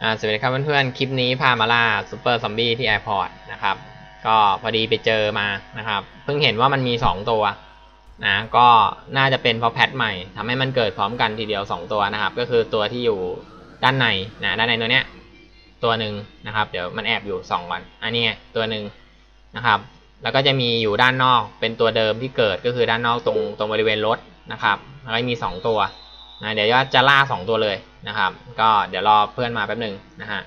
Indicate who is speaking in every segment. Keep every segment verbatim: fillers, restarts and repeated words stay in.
Speaker 1: อ่าสวัสดีครับเพื่อนๆคลิปนี้พามาล่าซูเปอร์ซอมบี้ที่แอร์พอร์ตนะครับก็พอดีไปเจอมานะครับเพิ่งเห็นว่ามันมีสองตัวนะก็น่าจะเป็นเพราะแพทใหม่ทำให้มันเกิดพร้อมกันทีเดียวสองตัวนะครับก็คือตัวที่อยู่ด้านในนะด้านในตัวเนี้ยตัวหนึ่งนะครับเดี๋ยวมันแอบอยู่สองวันอันนี้ตัวหนึ่งนะครับแล้วก็จะมีอยู่ด้านนอกเป็นตัวเดิมที่เกิดก็คือด้านนอกตรงตรงบริเวณรถนะครับแล้วก็มีสองตัวนะเดี๋ยวจะล่าสองตัวเลยนะครับก็เดี๋ยวรอเพื่อนมาแป๊บหนึ่งนะฮะ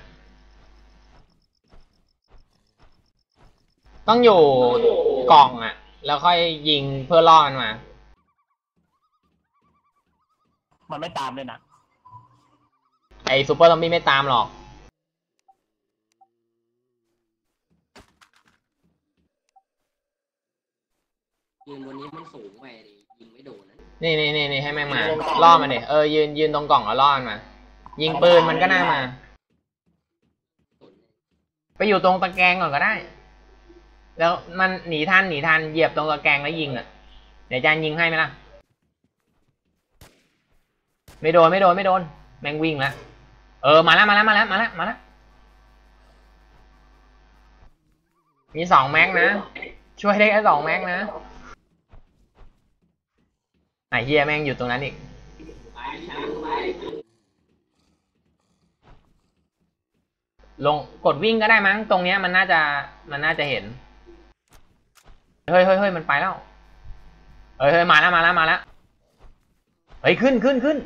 Speaker 1: ต้องอยู่กล่องอ่ะแล้วค่อยยิงเพื่อล่อมันมา
Speaker 2: มันไม่ตามเลยนะ
Speaker 1: ไอซูเปอร์ซอมบี้ไม่ตามหรอก
Speaker 3: ยืนบนนี้มันสูงไปดิยิงไม่โดนนะ
Speaker 1: นี่นี่นี่นี่ให้แม่งมาล่อมันดิเออยืนยืนตรงกล่องแล้วล่อมันมายิงปืนมันก็น่ามาไปอยู่ตรงตะแกรงก่อนก็ได้แล้วมันหนีทันหนีทันเหยียบตรงตะแกรงแล้วยิงอ่ะเดี๋ยวจานยิงให้ไหมล่ะไม่โดนไม่โดนไม่โดนแม่งวิ่งแล้วเออมาแล้วมาแล้วมาแล้วมาแล้วมาแล้วมีสองแม็กนะช่วยได้แค่สองแม็กนะไอ้เฮียแม่งอยู่ตรงนั้นอีกลงกดวิ่งก็ได้มั้งตรงเนี้ยมันน่าจะมันน่าจะเห็นเฮ้ยเฮ้ยเฮ้ยมันไปแล้วเฮ้ยเฮ้ยมาแล้วมาแล้วมาแล้วเฮ้ยขึ้นขึ้นขึ้น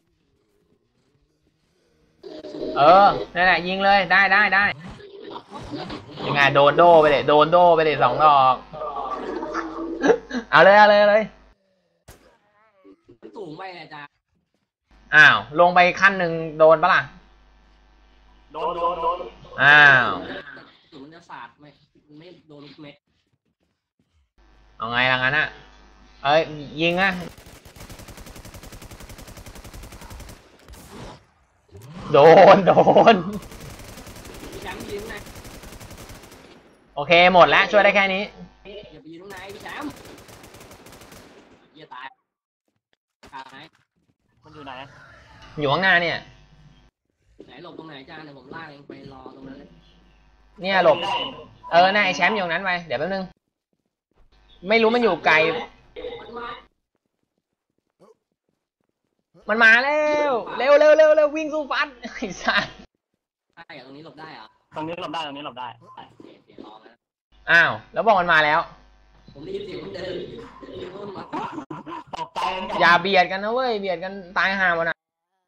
Speaker 1: เออนั่นแหละยิงเลยได้ได้ได้ยังไงโดนโดไปเลยโดนโดไปเลยสองดอกเอาเลยเอาเลยเอาเลย
Speaker 3: สูงไปอาจารย์
Speaker 1: อ้าวลงไปขั้นหนึ่งโดนปะล่ะ
Speaker 2: โดนโดนโดน
Speaker 1: อ้าว
Speaker 3: สูงมันจะสาดไหมมันไม่โดนเม็ด
Speaker 1: เอาไงล่ะงั้นอ่ะเอ้ยยิงอ่ะโดนโดน
Speaker 3: แชมป์ยืนไหน
Speaker 1: โอเคหมดแล้วช่วยได้แค่นี้
Speaker 3: อย่าไปยืนตรงไหนพี่แชมป์เยี่ยตายตายไหน
Speaker 2: มันอยู่ไหน
Speaker 1: อยู่ข้างหน้าเนี่ย
Speaker 3: ไหนหลบตรงไหนจ้าเดี๋ยวผมลากเองไปรอตรงนั้นเลย
Speaker 1: เนี่ยหลบเออน่าไอแชมป์อยู่นั้นไปเดี๋ยวแป๊บนึงไม่รู้มันอยู่ไกลมันมาแล้วเร็วเร็วเร็วเร็ววิ่งสู้ฟัดไอ้สัส
Speaker 3: ใช่ตรงนี้หลบได้เหรอ
Speaker 2: ตรงนี้หลบได้ตรงนี้หลบได้
Speaker 3: เดี๋ยวรอนะ
Speaker 1: อ้าวแล้วบอกมันมาแล้ว
Speaker 3: ผมได้ยินเสียงมันเดิน
Speaker 2: ตกใจ
Speaker 1: อย่าเบียดกันนะเว้ยเบียดกันตายห่ามันอ่ะ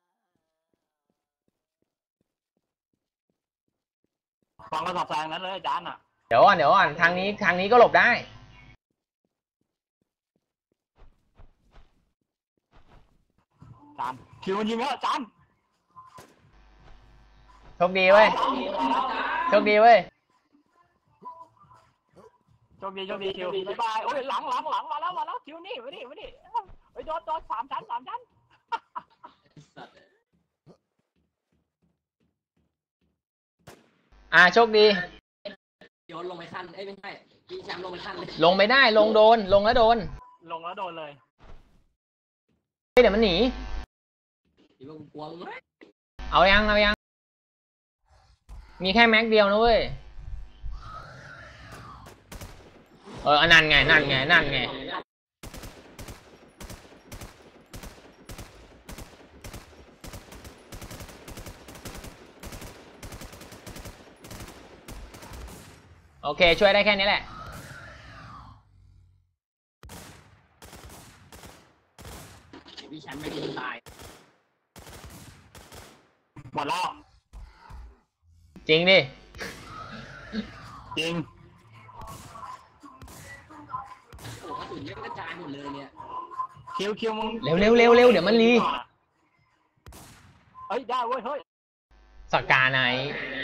Speaker 2: ฟังกระสอบทรายนั้นเลยอาจารย์อ่ะ
Speaker 1: เดี๋ยวก่อนเดี๋ยวก่อนทางนี้ทางนี้ก็หลบได้
Speaker 2: อาจารย์คิวมันยิงแล้วอาจารย์
Speaker 1: โชคดีเว้ยโชคดีเว้ย
Speaker 2: โชคดีโชคดีคิวบ๊ายบายโอ้ยหลังหลังหลังมาแล้วมาแล้วคิวนี่มาดิมาดิเฮ้ยโดนโดนสามชั้นสามชั้น
Speaker 1: อ่าโชคดี
Speaker 3: โยนลงไปขั้นเอ้ยไม่ใช่พี่แชมป์ลงไปขั้นเลย
Speaker 1: ลงไม่ได้ลงโดนลงแล้วโดน
Speaker 2: ลงแล้วโดนเลย
Speaker 1: เดี๋ยวมันหนี
Speaker 3: ที่ว่ากลัวมึงไหม
Speaker 1: เอายังเอายังมีแค่แม็กเดียวนะเว้ยเออนั่นไงนั่นไงนั่นไงโอเคช่วยได้แค่นี้แหละ
Speaker 3: พี่แชมป์ไม่ได้ตาย
Speaker 2: หมดแล้ว
Speaker 1: จริงดิ
Speaker 2: จริง
Speaker 3: โอ้กระสุนเยอะกระจายหมดเลยเนี่ย
Speaker 2: คิวคิวมึง
Speaker 1: เร็วเร็วเร็วเร็วเดี๋ยวมันรี
Speaker 2: เฮ้ยได้เว้ยเฮ้ย
Speaker 1: สกาไหน